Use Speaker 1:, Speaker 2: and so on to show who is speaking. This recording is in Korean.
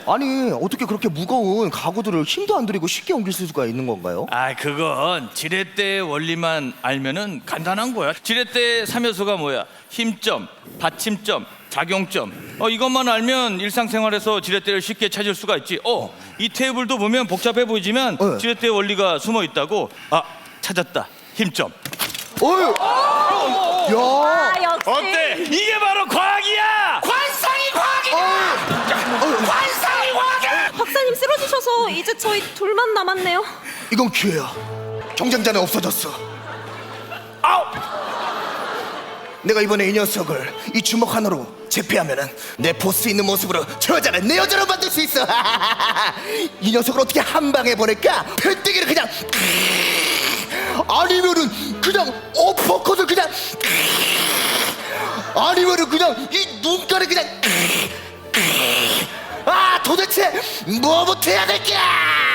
Speaker 1: 아니 어떻게 그렇게 무거운 가구들을 힘도 안 들이고 쉽게 옮길 수가 있는 건가요?
Speaker 2: 아, 그건 지렛대의 원리만 알면은 간단한 거야. 지렛대의 3요소가 뭐야? 힘점, 받침점, 작용점. 이것만 알면 일상생활에서 지렛대를 쉽게 찾을 수가 있지. 이 테이블도 보면 복잡해 보이지만
Speaker 1: 네.
Speaker 2: 지렛대의 원리가 숨어 있다고. 아, 찾았다. 힘점.
Speaker 1: 어휴! 야!
Speaker 3: 아, 역시.
Speaker 2: 어때? 이게 바로 과학이야.
Speaker 4: 관상이 과학이다! 관상이 과학이야!
Speaker 3: 박사님 쓰러지셔서 이제 저희 둘만 남았네요.
Speaker 1: 이건 기회야. 경쟁자는 없어졌어.
Speaker 2: 아우!
Speaker 1: 내가 이번에 이 녀석을 이 주먹 하나로 제패하면은 내 보스 있는 모습으로 저 여자를 내 여자로 만들 수 있어. 이 녀석을 어떻게 한 방에 보낼까? 패대기를 그냥 아니면은 그냥 어퍼컷을 그냥 아니면은 그냥 이 눈가를 그냥 도대체 뭐부터 해야 될까?